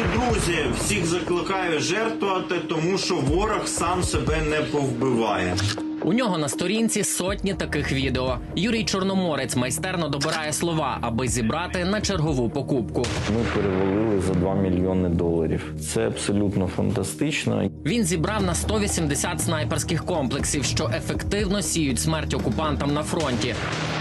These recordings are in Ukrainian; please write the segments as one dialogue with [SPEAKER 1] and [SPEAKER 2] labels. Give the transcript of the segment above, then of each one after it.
[SPEAKER 1] друзі, всіх закликаю жертвувати, тому що ворог сам себе не повбиває.
[SPEAKER 2] У нього на сторінці сотні таких відео. Юрій Чорноморець майстерно добирає слова, аби зібрати на чергову покупку.
[SPEAKER 3] Ми перевалили за $2 мільйони. Це абсолютно фантастично.
[SPEAKER 2] Він зібрав на 180 снайперських комплексів, що ефективно сіють смерть окупантам на фронті.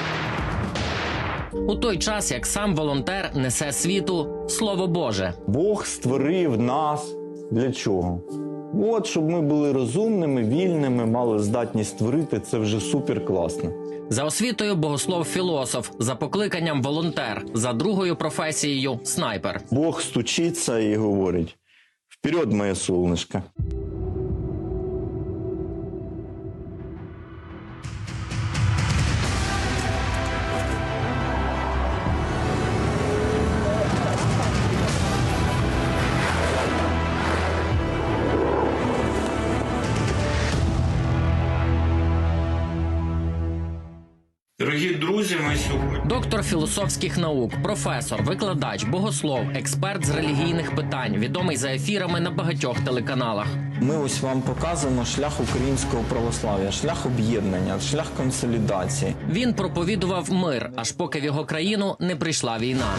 [SPEAKER 2] У той час, як сам волонтер несе світу Слово Боже.
[SPEAKER 3] Бог створив нас для чого? От, щоб ми були розумними, вільними, мали здатність творити, це вже супер класно.
[SPEAKER 2] За освітою богослов-філософ, за покликанням волонтер, за другою професією снайпер.
[SPEAKER 3] Бог стучиться і говорить: «Вперед, моє солнышко!»
[SPEAKER 1] Дорогі друзі, ми сьогодні...
[SPEAKER 2] Доктор філософських наук, професор, викладач, богослов, експерт з релігійних питань, відомий за ефірами на багатьох телеканалах.
[SPEAKER 3] Ми ось вам показуємо шлях українського православ'я, шлях об'єднання, шлях консолідації.
[SPEAKER 2] Він проповідував мир, аж поки в його країну не прийшла війна.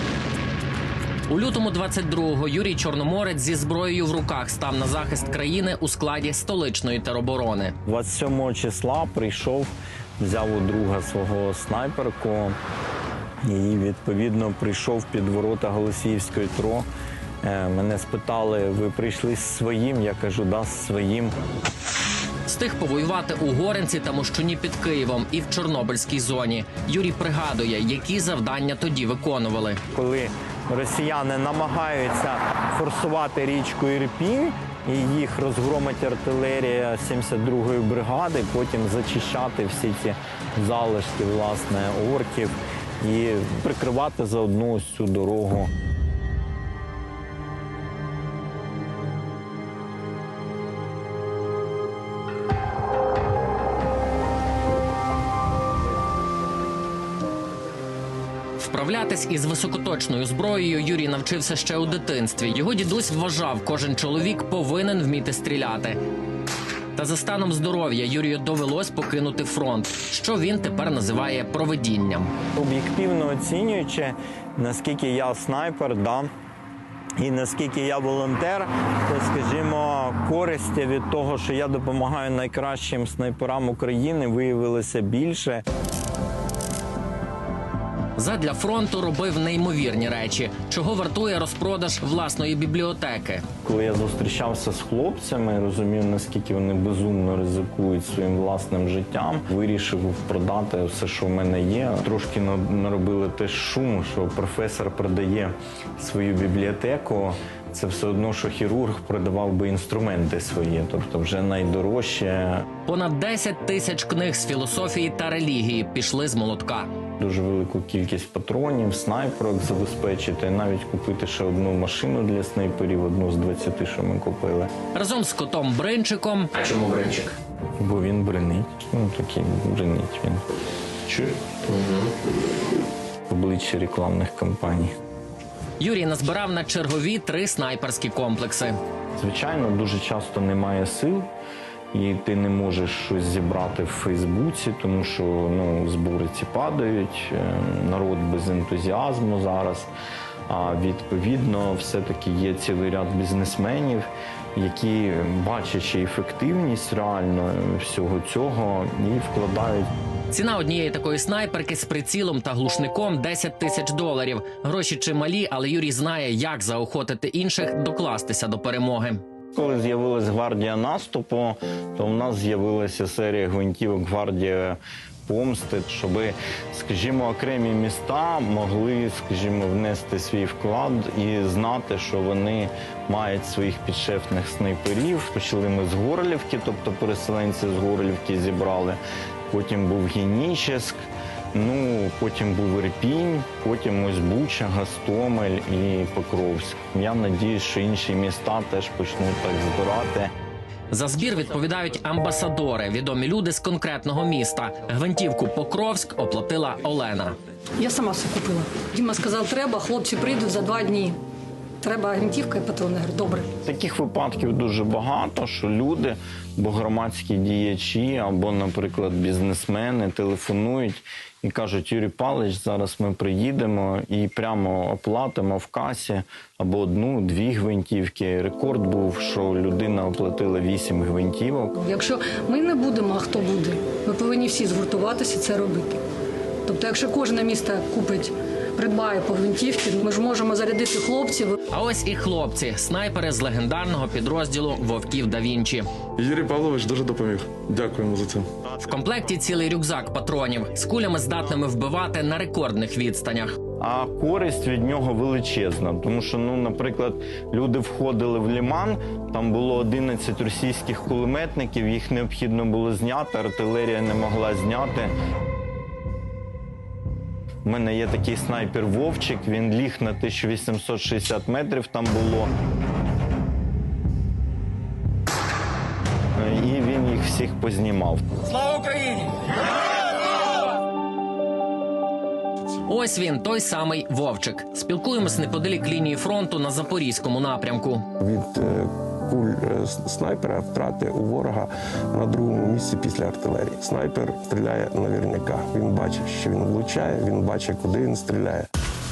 [SPEAKER 2] У лютому 22-го Юрій Чорноморець зі зброєю в руках став на захист країни у складі столичної тероборони.
[SPEAKER 3] 27 числа прийшов, взяв у друга свого снайперку і, відповідно, прийшов під ворота Голосіївської ТРО. Мене спитали: ви прийшли з своїм? Я кажу: да, з своїм.
[SPEAKER 2] Встиг повоювати у Горинці та Мощуні під Києвом і в Чорнобильській зоні. Юрій пригадує, які завдання тоді виконували.
[SPEAKER 3] Коли росіяни намагаються форсувати річку Ірпінь, і їх розгромить артилерія 72-ї бригади, потім зачищати всі ці залишки, власне, орків і прикривати заодно ось цю дорогу.
[SPEAKER 2] Вправлятись із високоточною зброєю Юрій навчився ще у дитинстві. Його дідусь вважав, кожен чоловік повинен вміти стріляти. Та за станом здоров'я Юрію довелось покинути фронт, що він тепер називає провидінням.
[SPEAKER 3] Об'єктивно оцінюючи, наскільки я снайпер, і наскільки я волонтер, то, скажімо, користі від того, що я допомагаю найкращим снайперам України, виявилося більше.
[SPEAKER 2] Задля фронту робив неймовірні речі, чого вартує розпродаж власної бібліотеки.
[SPEAKER 3] Коли я зустрічався з хлопцями, розумів, наскільки вони безумно ризикують своїм власним життям, вирішив продати все, що в мене є. Трошки наробили теж шуму, що професор продає свою бібліотеку. Це все одно, що хірург продавав би інструменти свої, тобто вже найдорожче.
[SPEAKER 2] Понад 10 тисяч книг з філософії та релігії пішли з молотка.
[SPEAKER 3] Дуже велику кількість патронів, снайперок забезпечити, навіть купити ще одну машину для снайперів, одну з 20, що ми купили.
[SPEAKER 2] Разом з котом Бринчиком. А чому Бринчик?
[SPEAKER 3] Бо він бринить. Такий бринить він. Чує? Обличчя рекламних кампаній.
[SPEAKER 2] Юрій назбирав на чергові 3 снайперські комплекси.
[SPEAKER 3] Звичайно, дуже часто немає сил, і ти не можеш щось зібрати в Фейсбуці, тому що збори ці падають, народ без ентузіазму зараз. А відповідно, все-таки є цілий ряд бізнесменів, які, бачачи ефективність реально всього цього, і вкладають.
[SPEAKER 2] Ціна однієї такої снайперки з прицілом та глушником – $10 тисяч. Гроші чималі, але Юрій знає, як заохотити інших докластися до перемоги.
[SPEAKER 3] Коли з'явилась гвардія наступу, то в нас з'явилася серія гвинтівок «Гвардія помсти», щоб, скажімо, окремі міста могли, скажімо, внести свій вклад і знати, що вони мають своїх підшефних снайперів. Почали ми з Горлівки, тобто переселенці з Горлівки зібрали. Потім був Генічеськ, потім був Ірпінь, потім ось Буча, Гостомель і Покровськ. Я сподіваюся, що інші міста теж почнуть так збирати.
[SPEAKER 2] За збір відповідають амбасадори, відомі люди з конкретного міста. Гвинтівку Покровськ оплатила Олена.
[SPEAKER 4] Я сама все купила. Діма сказав, треба, хлопці прийдуть за 2 дні. треба гвинтівка і патрони. Я говорю, добре.
[SPEAKER 3] Таких випадків дуже багато, що люди, або громадські діячі, або, наприклад, бізнесмени телефонують і кажуть: Юрій Павлович, зараз ми приїдемо і прямо оплатимо в касі або 1-2 гвинтівки. Рекорд був, що людина оплатила 8 гвинтівок.
[SPEAKER 4] Якщо ми не будемо, а хто буде? Ми повинні всі згуртуватися і це робити. Тобто, якщо кожне місто купить, придбає по гвинтівці, ми ж можемо зарядити хлопців.
[SPEAKER 2] А ось і хлопці, снайпери з легендарного підрозділу «Вовків да Вінчі».
[SPEAKER 5] Юрій Павлович дуже допоміг. Дякуємо за це.
[SPEAKER 2] В комплекті цілий рюкзак патронів з кулями, здатними вбивати на рекордних відстанях.
[SPEAKER 3] А користь від нього величезна, тому що, наприклад, люди входили в Лиман, там було 11 російських кулеметників, їх необхідно було зняти, артилерія не могла зняти. У мене є такий снайпер Вовчик, він ліг на 1860 метрів, там було. І він їх всіх познімав.
[SPEAKER 2] Слава Україні! Ось він, той самий Вовчик. Спілкуємось неподалік лінії фронту на Запорізькому напрямку.
[SPEAKER 6] Від куль снайпера втрати у ворога на другому місці після артилерії. Снайпер стріляє наверняка. Він бачить, що він влучає, він бачить, куди він стріляє.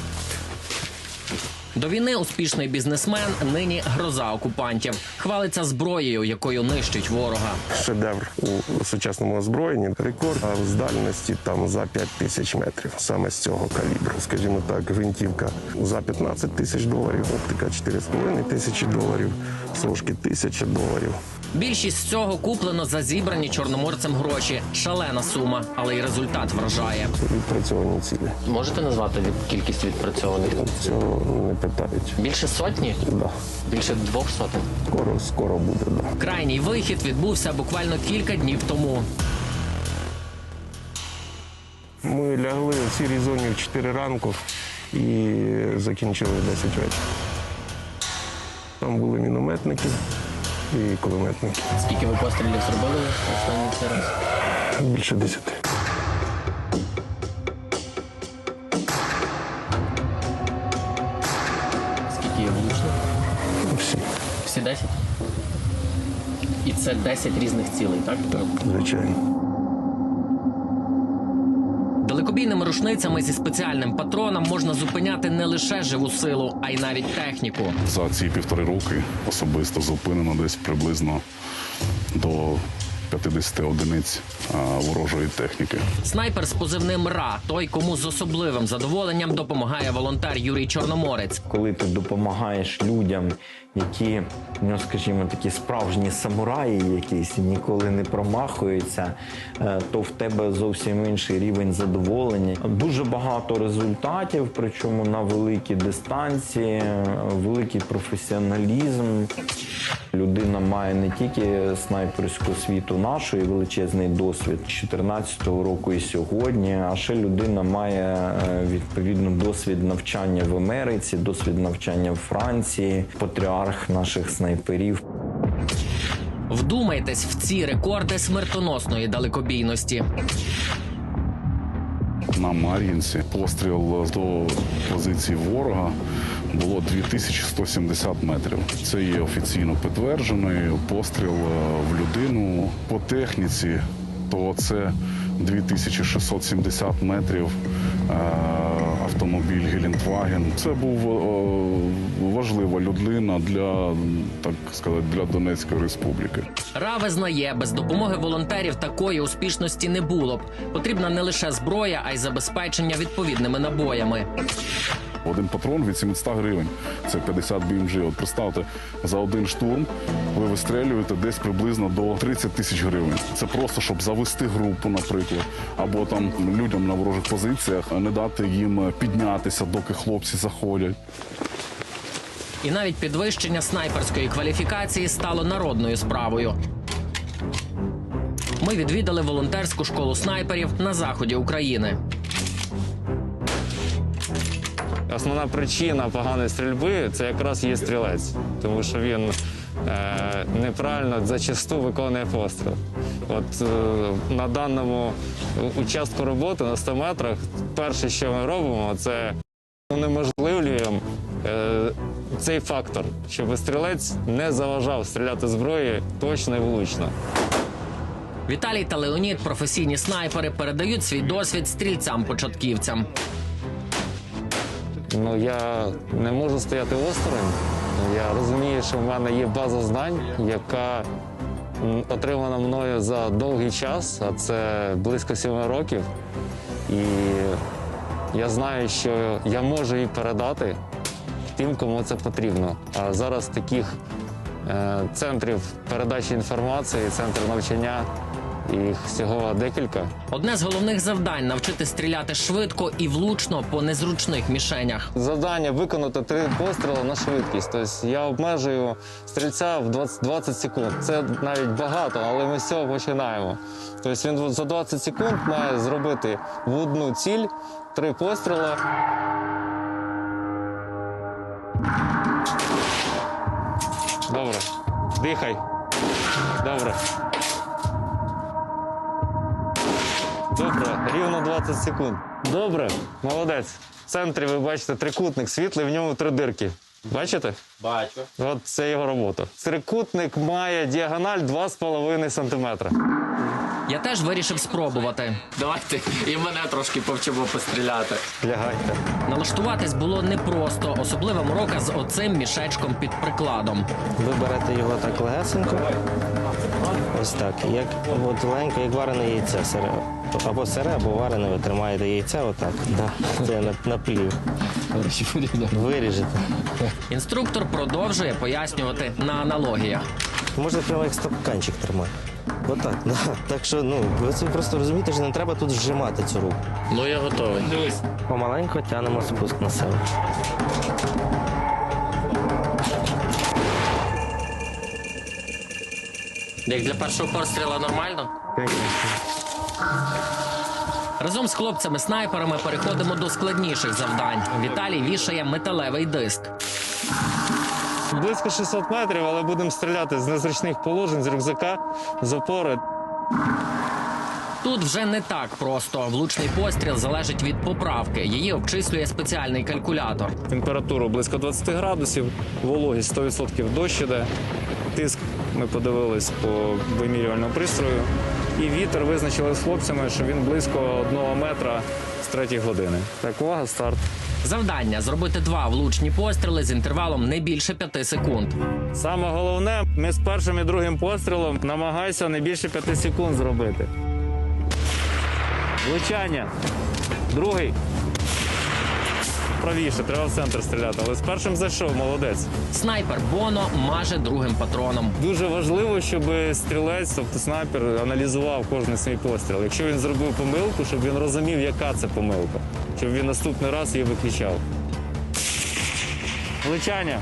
[SPEAKER 2] До війни успішний бізнесмен, нині гроза окупантів. Хвалиться зброєю, якою нищить ворога.
[SPEAKER 6] Шедевр у сучасному озброєнні. Рекорд з дальності там за 5000 метрів. Саме з цього калібру. Скажімо так, гвинтівка за 15 тисяч доларів, оптика 4,5 тисячі доларів, сошки 1000 доларів.
[SPEAKER 2] Більшість з цього куплено за зібрані чорноморцем гроші. Шалена сума, але й результат вражає.
[SPEAKER 6] Відпрацьовані цілі.
[SPEAKER 2] Можете назвати кількість відпрацьованих?
[SPEAKER 6] Цього не питають.
[SPEAKER 2] Більше сотні?
[SPEAKER 6] Да.
[SPEAKER 2] Більше 200?
[SPEAKER 6] Скоро буде, да.
[SPEAKER 2] Крайній вихід відбувся буквально кілька днів тому.
[SPEAKER 6] Ми лягли в сірій зоні в 4 ранку і закінчили в 10 вечора. Там були мінометники і кулеметники.
[SPEAKER 2] Скільки ви пострілів зробили останній цей раз?
[SPEAKER 6] Більше 10.
[SPEAKER 2] Скільки є влучних?
[SPEAKER 6] Всі,
[SPEAKER 2] Всі 10? І це 10 різних цілей, так?
[SPEAKER 6] звичайно.
[SPEAKER 2] Далекобійними рушницями зі спеціальним патроном можна зупиняти не лише живу силу, а й навіть техніку.
[SPEAKER 7] За ці 1,5 роки особисто зупинено десь приблизно до 50 одиниць ворожої техніки.
[SPEAKER 2] Снайпер з позивним «Ра» – той, кому з особливим задоволенням допомагає волонтер Юрій Чорноморець.
[SPEAKER 3] Коли ти допомагаєш людям, які, скажімо, такі справжні самураї якісь, ніколи не промахуються, то в тебе зовсім інший рівень задоволення. Дуже багато результатів, причому на великій дистанції, великий професіоналізм. Людина має не тільки снайперську освіту нашої, величезний досвід 14-го року і сьогодні, а ще людина має відповідно досвід навчання в Америці, досвід навчання в Франції, патріарх наших снайперів.
[SPEAKER 2] Вдумайтесь в ці рекорди смертоносної далекобійності.
[SPEAKER 7] На Мар'їнці постріл до позиції ворога було 2170 метрів. Це є офіційно підтверджений постріл в людину. По техніці то це 2670 метрів автомобіль Гелендваген. Це був важлива людина для, так сказати, для Донецької республіки.
[SPEAKER 2] «Ра» визнає, без допомоги волонтерів такої успішності не було б. Потрібна не лише зброя, а й забезпечення відповідними набоями.
[SPEAKER 7] Один патрон від 700 гривень. Це 50 BMG. От представте, за один штурм ви вистрелюєте десь приблизно до 30 тисяч гривень. Це просто, щоб завести групу, наприклад, або там людям на ворожих позиціях не дати їм піднятися, доки хлопці заходять.
[SPEAKER 2] І навіть підвищення снайперської кваліфікації стало народною справою. Ми відвідали волонтерську школу снайперів на заході України.
[SPEAKER 8] Основна причина поганої стрільби – це якраз є стрілець, тому що він неправильно зачасту виконує постріл. От на даному участку роботи на 100 метрах перше, що ми робимо, це унеможливлюємо цей фактор, щоб стрілець не заважав стріляти зброєю точно і влучно.
[SPEAKER 2] Віталій та Леонід, професійні снайпери, передають свій досвід стрільцям-початківцям.
[SPEAKER 8] Ну, я не можу стояти осторонь. Я розумію, що в мене є база знань, яка отримана мною за довгий час, а це близько 7 років. І я знаю, що я можу її передати тим, кому це потрібно. А зараз таких центрів передачі інформації, центрів навчання, їх всього декілька.
[SPEAKER 2] Одне з головних завдань – навчити стріляти швидко і влучно по незручних мішенях.
[SPEAKER 8] Завдання виконати 3 постріли на швидкість. Тобто я обмежую стрільця в 20 секунд. Це навіть багато, але ми з цього починаємо. Тобто він за 20 секунд має зробити в одну ціль 3 постріли. Добре. Дихай. Добре. Добре, рівно 20 секунд. Добре, молодець. В центрі ви бачите трикутник світлий, в ньому 3 дирки. Бачите?
[SPEAKER 1] Бачу.
[SPEAKER 8] От це його робота. Трикутник має діагональ 2,5 см.
[SPEAKER 2] Я теж вирішив спробувати. Давайте і мене трошки повчимо постріляти.
[SPEAKER 3] Лягайте.
[SPEAKER 2] Налаштуватись було непросто, особливо морока з оцим мішечком під прикладом.
[SPEAKER 9] Ви берете його так легесенько, ось так, як от легенько, як варене яйце сире. Або сире, або варене, ви тримаєте яйце отак. Да. Це на плів. Виріжете.
[SPEAKER 2] Інструктор продовжує пояснювати на аналогіях.
[SPEAKER 9] Можна прямо як стаканчик тримати. Отак, да. Так що, ви це просто розумієте, що не треба тут зжимати цю руку.
[SPEAKER 2] Ну, я готовий. Дивись.
[SPEAKER 9] Помаленько тягнемо спуск на себе.
[SPEAKER 2] Як для першого постріла нормально? Разом з хлопцями-снайперами переходимо до складніших завдань. Віталій вішає металевий диск.
[SPEAKER 8] Близько 600 метрів, але будемо стріляти з незручних положень, з рюкзака, з опори.
[SPEAKER 2] Тут вже не так просто. Влучний постріл залежить від поправки. Її обчислює спеціальний калькулятор.
[SPEAKER 8] Температуру близько 20 градусів, вологість 100% дощ іде. Тиск ми подивились по вимірювальному пристрою. І вітер визначили з хлопцями, що він близько 1 метра з 3-ї години. Так, увага, старт.
[SPEAKER 2] Завдання – зробити 2 влучні постріли з інтервалом не більше 5 секунд.
[SPEAKER 8] Саме головне, ми з першим і другим пострілом намагайся не більше 5 секунд зробити. Влучання. Другий. Правіше, треба в центр стріляти, але з першим зайшов, молодець.
[SPEAKER 2] Снайпер Боно маже другим патроном.
[SPEAKER 8] Дуже важливо, щоб стрілець, тобто снайпер, аналізував кожен свій постріл. Якщо він зробив помилку, щоб він розумів, яка це помилка. Щоб він наступний раз її виключав. Влучання.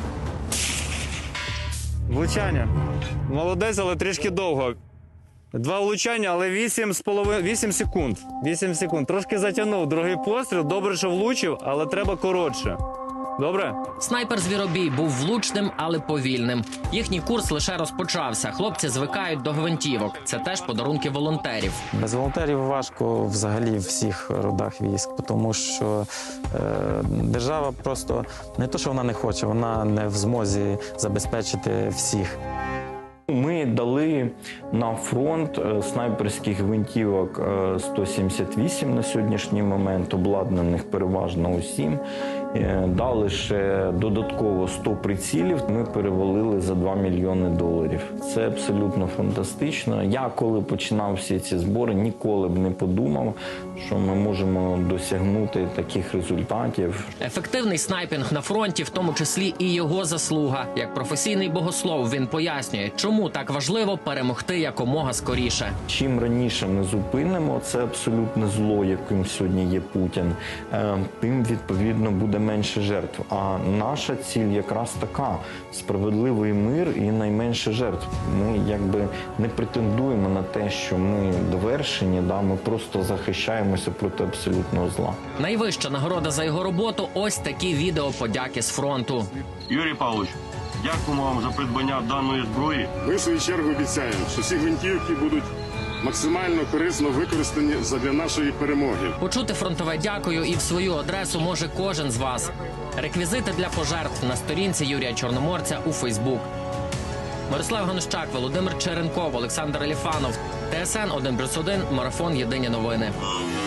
[SPEAKER 8] Влучання. Молодець, але трішки довго. 2 влучання, але 8 секунд. 8 секунд. Трошки затягнув. Другий постріл. Добре, що влучив, але треба коротше. Добре?
[SPEAKER 2] Снайпер Звіробій був влучним, але повільним. Їхній курс лише розпочався. Хлопці звикають до гвинтівок. Це теж подарунки волонтерів.
[SPEAKER 10] Без волонтерів важко взагалі в всіх родах військ, тому що держава просто не то, що вона не хоче, вона не в змозі забезпечити всіх.
[SPEAKER 3] Ми дали на фронт снайперських гвинтівок 178 на сьогоднішній момент, обладнаних переважно усім. Дали ще додатково 100 прицілів. Ми перевалили за $2 мільйони. Це абсолютно фантастично. Я, коли починав всі ці збори, ніколи б не подумав, що ми можемо досягнути таких результатів.
[SPEAKER 2] Ефективний снайпінг на фронті, в тому числі і його заслуга. Як професійний богослов він пояснює, чому так важливо перемогти якомога скоріше.
[SPEAKER 3] Чим раніше ми зупинимо це абсолютне зло, яким сьогодні є Путін, тим, відповідно, буде менше жертв. А наша ціль якраз така – справедливий мир і найменше жертв. Ми якби не претендуємо на те, що ми довершені, ми просто захищаємося проти абсолютного зла.
[SPEAKER 2] Найвища нагорода за його роботу – ось такі відео подяки з фронту.
[SPEAKER 11] Юрій Павлович, дякуємо вам за придбання даної зброї.
[SPEAKER 12] Ми, в свою чергу, обіцяємо, що всі гвинтівки будуть
[SPEAKER 11] максимально корисно використані задля нашої перемоги.
[SPEAKER 2] Почути фронтове дякую і в свою адресу може кожен з вас. Реквізити для пожертв на сторінці Юрія Чорноморця у Фейсбук. Мирослав Ганущак, Володимир Черенков, Олександр Еліфанов. ТСН 1+1, Марафон. Єдині новини.